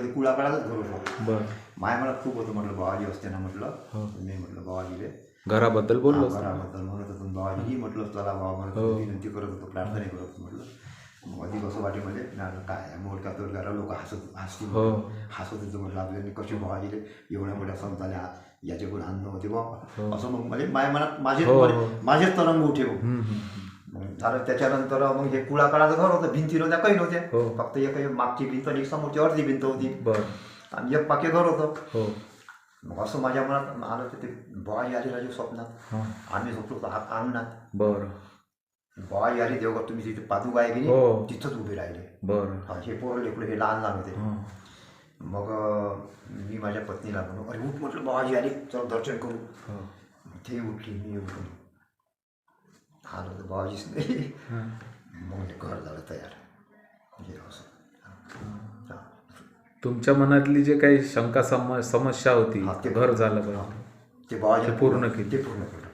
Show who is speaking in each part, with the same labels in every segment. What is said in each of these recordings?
Speaker 1: ते कुळाकाळातच घर होतं.
Speaker 2: बर.
Speaker 1: माय मला खूप होतं म्हटलं बाबाजी असते ना म्हटलं. मी म्हटलं बाबाजीले
Speaker 2: घराबद्दल बोललो.
Speaker 1: घराबद्दल म्हणत होतो बाबाजी म्हटलं चला बाबा म्हणत विनंती करत होतो प्रार्थना करत होतो म्हटलं. मग अधिक असं वाटेमध्ये काय मोडका तोडकारा लोक हसत होते म्हटलं आपल्याला कशी बाबाजीले एवढ्या मोठ्या संतांना याच्याकडून आणणं होते बाबा असं. मग म्हणजे माझ्या मनात माझेच तरंग उठे. मग झालं त्याच्यानंतर मग हे कुळाकाळाचं घर होतं. भिंती नव्हत्या काही नव्हत्या. फक्त एक मागची भिंत आणि एक समोरची अर्धी भिंत होती आणि एक पाके घर होतं. मग असं माझ्या मनात आलं तर ते बाबाजी आले राजू स्वप्नात. आम्ही झोपलो अंगणात.
Speaker 2: बरं.
Speaker 1: बाबाजी आले देवघर तुम्ही तिथे पादुका आहे की नाही तिथंच उभे राहिले.
Speaker 2: बरं.
Speaker 1: हे पोरं लेकरं हे लहान लहान होते. मग मी माझ्या पत्नीला म्हणून अरे उठ म्हटलं बाबाजी आले चल दर्शन करू. ते उठली मी उठून आलो तर बाबाजीच नाही. मग ते घर झालं तयार. म्हणजे असं
Speaker 2: तुमच्या मनातली जे काही शंका समस्या होती ते घर झालं बरं.
Speaker 1: ते बाबाजी
Speaker 2: पूर्ण केली.
Speaker 1: ते पूर्ण केलं.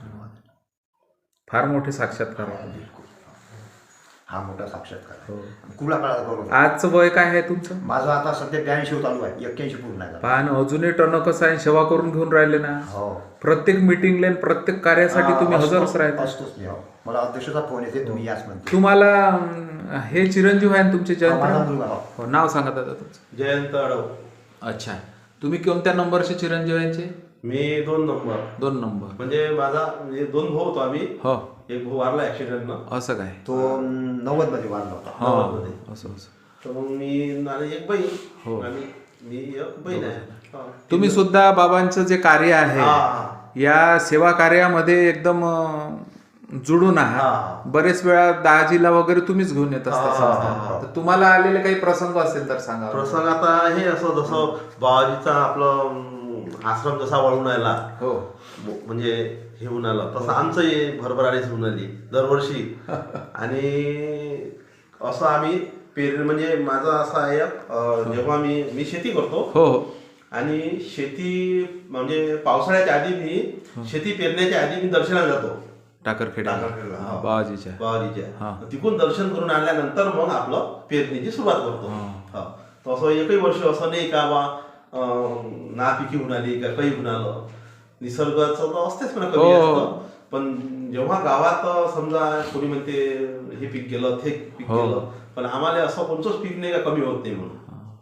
Speaker 2: फार मोठे साक्षात्कार.
Speaker 1: बिलकुल हा मोठा साक्षात्कार. कुळाकाळात बरोबर.
Speaker 2: आजचं वय काय आहे तुमचं?
Speaker 1: माझं आता सध्या 82 चालू आहे. 81 पूर्ण आहे.
Speaker 2: पण अजूनही टणकस आहे, सेवा करून घेऊन राहिले ना. प्रत्येक मिटिंगला प्रत्येक कार्यासाठी तुम्ही हजरच राहता.
Speaker 1: असतोच मी. मला अध्यक्षाचा फोन येते तुम्ही याच म्हणते.
Speaker 2: तुम्हाला हे चिरंजीव आहे तुमचे जयंत. नाव सांगा दादा तुमचं.
Speaker 3: जयंत अडव.
Speaker 2: अच्छा. तुम्ही कोणत्या नंबरचे चिरंजीव यांचे?
Speaker 3: मी 2 नंबर.
Speaker 2: 2 नंबर.
Speaker 3: म्हणजे माझा 2 भाऊ होतो आम्ही. एक भाऊ वारला ऍक्सिडेंटनं.
Speaker 2: असं काय?
Speaker 1: तो 90 मध्ये वारला होता.
Speaker 3: 90 मध्ये.
Speaker 2: असं.
Speaker 3: तर मग मी आणि एक बहीण आणि मी एक बहीण आहे.
Speaker 2: तुम्ही सुद्धा बाबांचं जे कार्य आहे या सेवा कार्यामध्ये एकदम जुडून आहात. बरेच वेळा दाजीला वगैरे तुम्हीच घेऊन येत असता. तर तुम्हाला आलेले काही प्रसंग असेल तर सांगा.
Speaker 3: प्रसंग आता हे असं जसं बाबाजीचा आपलं आश्रम जसा वळून आला म्हणजे हे होऊन आलं तसं आमचंही भरभराटीच होऊन आली दरवर्षी. आणि असं आम्ही म्हणजे माझं असं आहे जेव्हा मी शेती करतो आणि शेती म्हणजे पावसाळ्याच्या आधी मी शेती पेरण्याच्या आधी मी दर्शनाला जातो
Speaker 2: टाकरखेडा बाबाजीच्या.
Speaker 3: तिकडून दर्शन करून आल्यानंतर मग आपलं पेरणीची सुरुवात करतो. तसं एकही वर्ष असं नाही का बा नापिकी होऊन आली का काही होऊन आलं. निसर्गाचं तर असतेच म्हणा कमी असतं. पण जेव्हा गावात समजा कोणी म्हणते हे पीक गेलं ते पीक गेलं पण आम्हाला असं कोणतंच पीक नाही का कमी होत नाही म्हणून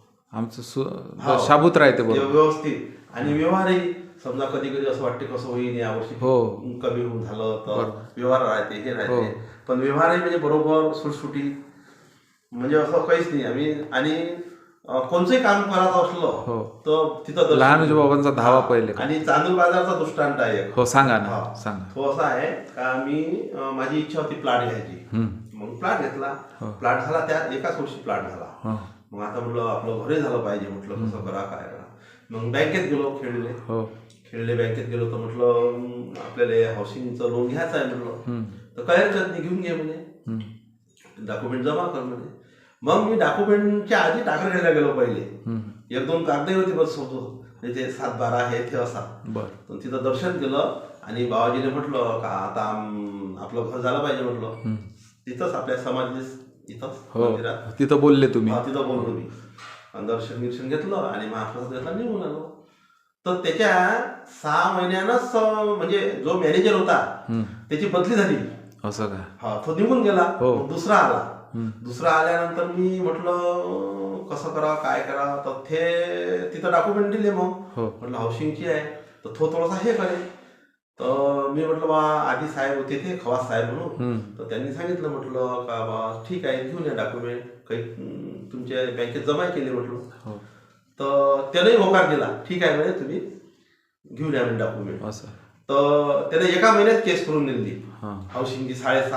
Speaker 2: आमचं शाबूत राहते
Speaker 3: व्यवस्थित. आणि व्यवहारही समजा कधी कधी असं वाटते कसं होईल यावर्षी कमी होऊन झालं तर व्यवहार राहते हे राहते. पण व्यवहारही म्हणजे बरोबर सुटसुटी म्हणजे असं काहीच नाही आम्ही. आणि कोणचंही काम करायचं असलं तर तिथं
Speaker 2: लहानजी बाबांचा धावा पहिले.
Speaker 3: आणि चांदूर बाजारचा दृष्टांत आहे.
Speaker 2: सांगा ना. सांगा.
Speaker 3: तो असा आहे का मी माझी इच्छा होती प्लॉट घ्यायची. मग प्लॉट घेतला. प्लॉट झाला त्यात एकाच वर्षी प्लॉट झाला. मग आता म्हटलं आपलं घरही झालं पाहिजे. म्हटलं कसं करा काय करा. मग बँकेत गेलो खेळले बँकेत गेलो तर म्हटलं आपल्याला हाऊसिंगचं लोन घ्यायचं आहे म्हटलं. तर काय हरकत नाही घेऊन घे म्हणे. डॉक्युमेंट जमा कर म्हणे. मग मी डॉक्युमेंटच्या आधी टाकरखेडला गेलो पहिले. 1-2 कागदही होती बस होतो ते 7-12 हे ते असा. तर तिथं दर्शन केलं आणि बाबाजीने म्हटलं का आता आपलं घर झालं पाहिजे म्हटलं. तिथंच आपल्या समाधी इथंच मंदिरात
Speaker 2: तिथं बोलले तुम्ही.
Speaker 3: तिथं बोललो मी. दर्शन घेतलं आणि महाप्रसाद घेतला निघून आलो. तर त्याच्या 6 महिन्यानंच म्हणजे जो मॅनेजर होता त्याची बदली झाली.
Speaker 2: असं काय?
Speaker 3: तो निघून गेला. दुसरा आला. दुसरा आल्यानंतर मी म्हटलं कसं करा काय करा. तर ते तिथं डॉक्युमेंट दिले. मग म्हटलं हाऊसिंगची आहे तर तो थोडासा हे करेल. तर मी म्हटलं बा आधी साहेब होते ते खवास साहेब म्हणून. तर त्यांनी सांगितलं म्हटलं का बा ठीक आहे घेऊन या डॉक्युमेंट काही तुमच्या बँकेत जमा केले म्हटलं. तर त्यालाही होकार दिला. ठीक आहे म्हणे तुम्ही घेऊन या म्हणे डॉक्युमेंट. तर त्याने एका महिन्यात केस करून दिली हाऊसिंगची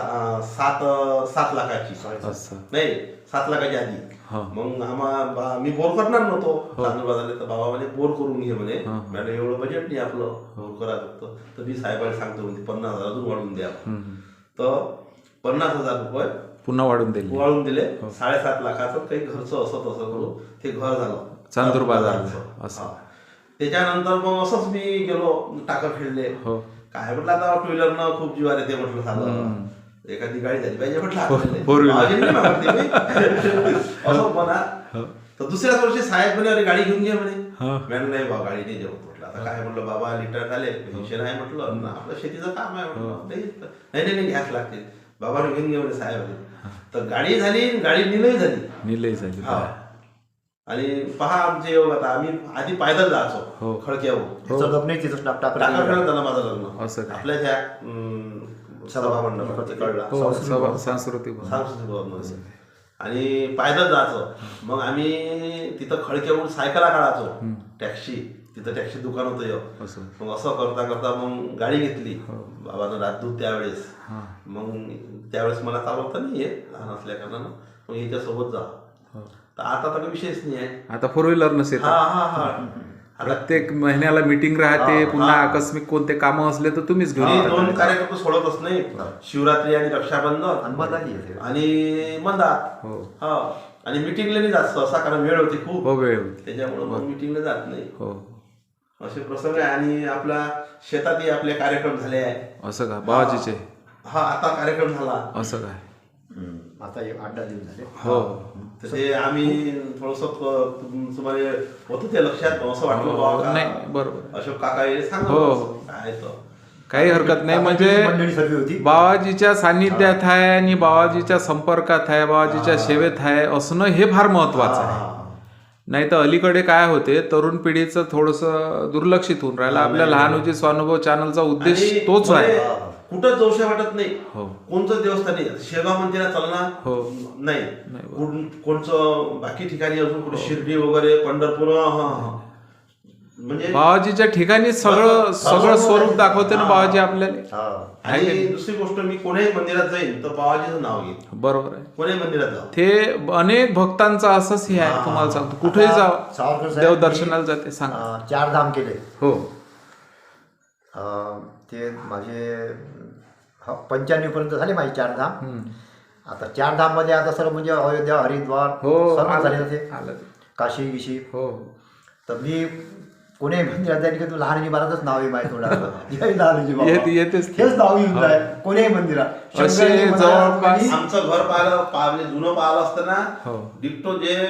Speaker 3: 7 लाखाची. नाही 7 लाखाची आधी. मग मी बोर करणार नव्हतो चांदूर बाजारला. तर बाबा म्हणे बोर करून घे म्हणे. मॅडम एवढं बजेट नाही आपलं बोर करा फक्त. तर मी साहेबाला सांगतो म्हणजे 50,000 अजून वाढवून द्या. तर 50,000 रुपये
Speaker 2: पुन्हा वाढून
Speaker 3: दिले. 7.5 लाखाचं काही घरचं असं तसं करून ते घर झालं
Speaker 2: चांदूर बाजारचं.
Speaker 3: त्याच्यानंतर मग असंच मी गेलो टाकरखेडले. काय म्हटलं आता 2 व्हीलरनं खूप जीवार येते म्हटलं झालं. एखादी गाडी झाली पाहिजे म्हटलं. असं म्हणा तर दुसऱ्याच वर्षी साहेब म्हणे अरे गाडी घेऊन घे म्हणे. मॅडम नाही बा गाडी नाही जेवत म्हटलं. आता काय म्हटलं बाबा रिटायर झाले पेन्शन आहे म्हटलं ना आपलं शेतीचं काम आहे म्हटलं. नाही नाही घ्यास लागते बाबाने घेऊन घे म्हणे साहेब. तर गाडी झाली गाडी निलय झाली. हा आणि पहा आमचे योग आता आम्ही आधी पायदल जायचो खडक्यावर
Speaker 1: नाही तिथं
Speaker 3: टाकाखेड्यात झालं माझं लग्न आपल्या त्या सभा मंडपात तिकडला
Speaker 2: सांस्कृतिक
Speaker 3: भवनमध्ये आणि पायदल जायचो. मग आम्ही तिथं खडक्यावरून सायकला काढायचो टॅक्सी तिथं टॅक्सी दुकान होतं. मग असं करता करता मग गाडी घेतली बाबानं राजदूत त्यावेळेस. मग त्यावेळेस मला चालवता नाही येत लहान असल्या कारणानं मग याच्यासोबत जा. तर आता तर विषयच नाही आहे.
Speaker 2: आता फोर व्हीलर नसेल प्रत्येक महिन्याला मीटिंग राहते पुन्हा आकस्मिक कोणते कामं असले तर तुम्हीच घेऊन
Speaker 3: 2 कार्यक्रम सोडतच नाही शिवरात्री आणि रक्षाबंधन आणि मंदार. आणि मिटिंगला नाही जात सहसा कारण वेळ होती खूप
Speaker 2: वेळ
Speaker 3: त्याच्यामुळे मग मिटिंगला जात नाही. असे प्रसंग आहे. आणि आपल्या शेतातही आपले कार्यक्रम झाले आहे. असं
Speaker 2: का बाबाजीचे?
Speaker 3: आता कार्यक्रम झाला
Speaker 2: असं काय
Speaker 1: आता 8-10 दिवस झाले.
Speaker 3: तर ते आम्ही थोडस तुम्हाला होतं ते लक्षात असं वाटलं
Speaker 2: नाही बरोबर
Speaker 3: अशोक काका सांगतो काय तर
Speaker 2: काही हरकत नाही. म्हणजे बाबाजीच्या सान्निध्यात आहे आणि बाबाजीच्या संपर्कात आहे बाबाजीच्या सेवेत आहे असणं हे फार महत्वाचं आहे. नाही तर अलीकडे काय होते तरुण पिढीचं थोडंसं दुर्लक्षित होऊन राहिलं. आपल्या लहानोजी स्वानुभव चॅनलचा उद्देश तोच आहे.
Speaker 3: कुठं जाऊशा वाटत नाही कोणतं देवस्थान नाही. शेगाव मंदिरात चालणार नाही कोणचं बाकी ठिकाणी अजून कुठे शिर्डी वगैरे पंढरपूर म्हणजे
Speaker 2: बाबाजीच्या ठिकाणी सगळं स्वरूप दाखवते ना बाबाजी आपल्याला.
Speaker 3: आणि दुसरी गोष्ट मी कोण्याही मंदिरात जाईन तर बाबाजीचं नाव घेईन.
Speaker 2: बरोबर आहे.
Speaker 3: कोण्याही मंदिरात जाऊ
Speaker 2: ते अनेक भक्तांचं असंच हे आहे. तुम्हाला सांगतो कुठेही जावं देव दर्शनाला जाते. सांगा
Speaker 1: 4 धाम केले.
Speaker 2: हो
Speaker 1: ते माझे 95 पर्यंत झाले माझे 4 धाम. आता 4 धाम मध्ये आता सर्व म्हणजे अयोध्या हरिद्वार सर्व झाले होते काशी गिशी. तर मी कोणी मंदिरात जाईल की तू लहानजी महाराजच नाव आहे माहिती थोडं
Speaker 2: येतेच
Speaker 1: हेच नाव येऊन जाय कोणीही मंदिरात.
Speaker 3: आमचं घर पाहिलं जुनं पाहिलं असतं ना डिक्टो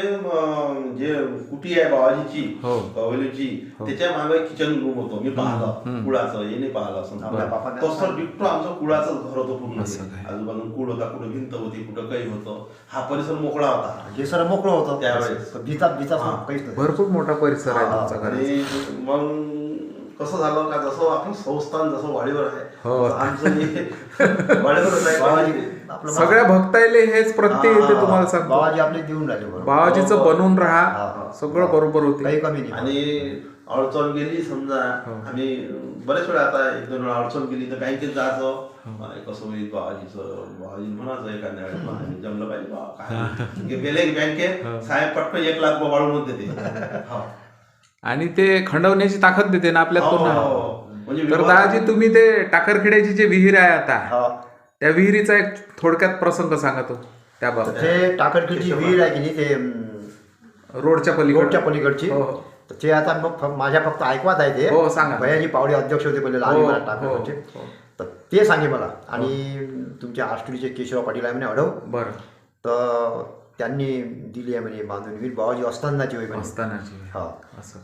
Speaker 3: जे कुटी आहे बाबाजीची कवलीची त्याच्या मागे किचन रूम होतो. मी पाहिलं कुळाचं हे नाही पाहिलं असं तसं डिक्टो आमचं कुळाचं घर होतं पूर्ण. आजूबाजूला कुळ होता कुठं भिंत होती कुठं काही होतं. हा परिसर मोकळा होता.
Speaker 1: हे सर मोकळं होतं
Speaker 3: त्यावेळेस
Speaker 1: काहीच
Speaker 2: भरपूर मोठा परिसर आहे तुमचा घर.
Speaker 3: मग कसं झालं का जसं आपण संस्थान जसं वाडीवर आहे आमचं वाडीवरच आहे.
Speaker 2: सगळ्या भक्तायले हेच प्रत्यय येते तुम्हाला सांगतो.
Speaker 1: बाबाजी आपले देऊन राहिले
Speaker 2: बाबाजीचं बनवून राहा सगळं बरोबर होते.
Speaker 1: काही कमी नाही.
Speaker 3: आणि अडचण गेली समजा आम्ही बरेच वेळा आता 1-2 वेळा अडचण गेली तर बँकेत जायचं कसं होईल बाबाजी म्हणायचं एखाद्या वेळेस जमलं पाहिजे काय गेले बँकेत साहेब पटकन 1 लाख वाढवून देते
Speaker 2: आणि ते खंडवण्याची ताकद देते ना आपल्यात पुन्हा. तर दादाजी तुम्ही ते टाकरखेड्याची जे विहीर आहे आता त्या विहिरीचा एक थोडक्यात प्रसंग सांगा तो त्याबाबत.
Speaker 1: ते टाकरखेडची विहीर आहे की नाही ते
Speaker 2: रोडच्या
Speaker 1: पलीकडची ते आता माझ्या फक्त ऐकवात आहे ते.
Speaker 2: सांगा.
Speaker 1: भैयाजी पावडे अध्यक्ष होते पहिले लहान टाकरखेडचे. तर ते सांगे मला. आणि तुमच्या आष्टीचे केशवराव पाटील आहे म्हणे अडव.
Speaker 2: बरं.
Speaker 1: तर त्यांनी दिली आहे म्हणजे बांधून विहीर बाबाजी असतानाची होई
Speaker 2: असतानाची.
Speaker 1: असं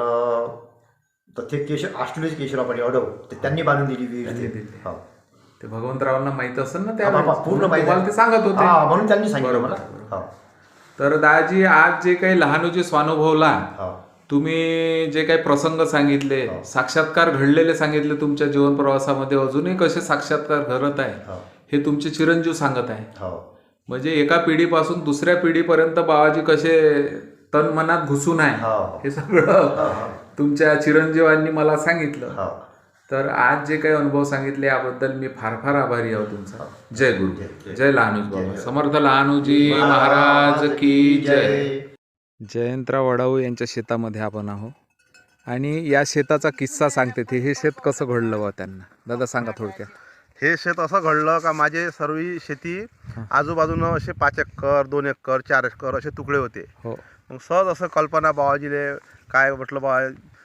Speaker 1: तर ते आष्टीचे केशवराव पाटील अडव ते त्यांनी बांधून दिली विहीर.
Speaker 2: ते भगवंतरावांना माहित असेल ना त्या
Speaker 1: पूर्ण माहिती
Speaker 2: ते सांगत होते
Speaker 1: म्हणून त्यांनी सांगितलं मला.
Speaker 2: तर दादाजी आज जे काही लहानोजी स्वानुभवला तुम्ही जे काही प्रसंग सांगितले साक्षात्कार घडलेले सांगितले तुमच्या जीवन प्रवासामध्ये अजूनही कसे साक्षात्कार घडत आहे हे तुमचे चिरंजीव सांगत आहे. म्हणजे एका पिढीपासून दुसऱ्या पिढीपर्यंत बाबाजी कसे तन मनात घुसून आहे हे सगळं तुमच्या चिरंजीवांनी मला सांगितलं. तर आज जे काही अनुभव सांगितले याबद्दल मी फार फार आभारी आहोत तुमचा. जय गुरु. जय लहानोजी बाबा समर्थ लहानोजी महाराज की जय. जयंतराव वडाऊ यांच्या शेतामध्ये आपण आहोत आणि या शेताचा किस्सा सांगते ते. हे शेत कसं घडलं बा त्यांना दादा सांगा थोडक्यात.
Speaker 3: हे शेत असं घडलं का माझे सर्व शेती आजूबाजूनं असे 5 एकर 2 एकर 4 एकर असे तुकडे होते. मग सहज असं कल्पना बाबाजीले काय म्हटलं बा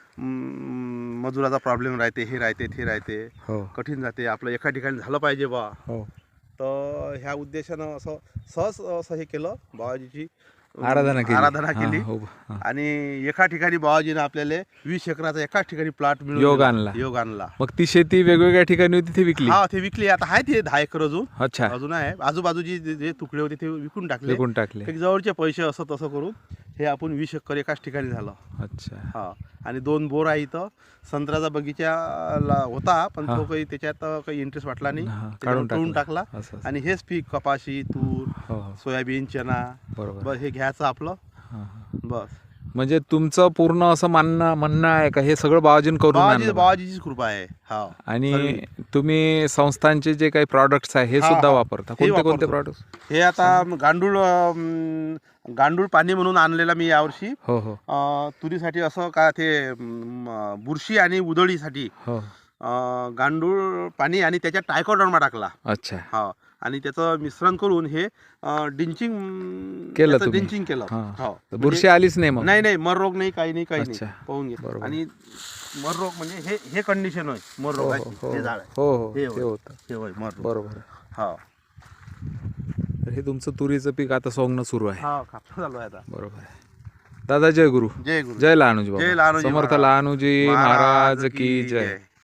Speaker 3: मजुराचा प्रॉब्लेम राहते हे राहते ते राहते कठीण जाते आपलं एका ठिकाणी झालं पाहिजे बा. तर ह्या उद्देशानं असं सहज असं हे केलं बाबाजीची
Speaker 2: आराधना केली.
Speaker 3: आराधना केली
Speaker 2: हा, हो, हा.
Speaker 3: आणि एका ठिकाणी बाबाजीने आपल्याला 20 एकराचा एकाच ठिकाणी प्लॉट मिळून
Speaker 2: योग
Speaker 3: दिला.
Speaker 2: आणला.
Speaker 3: योग आणला.
Speaker 2: मग ती शेती वेगवेगळ्या ठिकाणी होती ती विकली.
Speaker 3: हा ते विकली. आता आहे ते 10 एकर अजून
Speaker 2: अच्छा,
Speaker 3: अजून आहे. आजूबाजूची जे तुकडे होते ते विकून टाकले.
Speaker 2: विकून टाकले.
Speaker 3: एक जवळचे पैसे असं तसं करून हे आपण 20 एकर एकाच ठिकाणी झालं.
Speaker 2: अच्छा.
Speaker 3: हा आणि 2 बोर आहे इथं. संत्र्याचा बगीचा होता पण तो काही त्याच्यात काही इंटरेस्ट वाटला नाही.
Speaker 2: हा,
Speaker 3: त्याच्यावर
Speaker 2: काढून
Speaker 3: तोडून टाकला.
Speaker 2: असं असं.
Speaker 3: आणि हेच पीक कपाशी, तूर,
Speaker 2: हो हो,
Speaker 3: सोयाबीन, चना
Speaker 2: बरोबर.
Speaker 3: बस हे घ्यायचं आपलं.
Speaker 2: हा, हा.
Speaker 3: बस
Speaker 2: म्हणजे तुमचं पूर्ण असं म्हणणं आहे का हे सगळं बाबाजीन करून आणलं?
Speaker 3: बाबाजीचीच कृपा आहे. हा
Speaker 2: आणि तुम्ही संस्थांचे जे काही प्रॉडक्ट्स आहे हे
Speaker 3: हा,
Speaker 2: सुद्धा
Speaker 3: हा.
Speaker 2: वापरता?
Speaker 3: हे
Speaker 2: कोणते कोणते
Speaker 3: वापरतो.
Speaker 2: प्रॉडक्ट्स?
Speaker 3: हे आता गांडूळ पाणी म्हणून आणलेला मी यावर्षी.
Speaker 2: हो हो
Speaker 3: तुरीसाठी असं का ते बुरशी आणि उधळीसाठी
Speaker 2: हो.
Speaker 3: गांडूळ पाणी आणि त्याच्यात ट्रायकोडर्मा टाकला.
Speaker 2: अच्छा.
Speaker 3: हा आणि त्याचं मिश्रण करून हे डिंचिंग
Speaker 2: केलं
Speaker 3: त्याचं
Speaker 2: तुम्ही?
Speaker 3: डिंचिंग केलं.
Speaker 2: हा.
Speaker 3: हो.
Speaker 2: तर बुरशी आलीच नाही मग?
Speaker 3: नाही नाही मर रोग नाही, काही नाही, काही
Speaker 2: अच्छा.
Speaker 3: नाही. पाहून घे.
Speaker 2: बरोबर.
Speaker 3: आणि मर रोग म्हणजे हे कंडिशन होय मर
Speaker 2: हो
Speaker 3: रोगाची.
Speaker 2: हो
Speaker 3: हे झाड आहे.
Speaker 2: हो हो
Speaker 3: हे
Speaker 2: ते
Speaker 3: होय.
Speaker 2: होतं.
Speaker 3: हे होय मर रोग.
Speaker 2: बरोबर.
Speaker 3: हा
Speaker 2: तर हे तुमचं तुरीचं पीक आता सोंगणं सुरू आहे.
Speaker 3: हा कापसा चालू आहे आता.
Speaker 2: बरोबर आहे. दादा जय गुरु.
Speaker 3: जय गुरु.
Speaker 2: जय लहानूजी
Speaker 3: जय
Speaker 2: बाबा.
Speaker 3: लहानूजी
Speaker 2: समर्थ
Speaker 3: महाराज.
Speaker 2: लहानूजी महाराज की जय.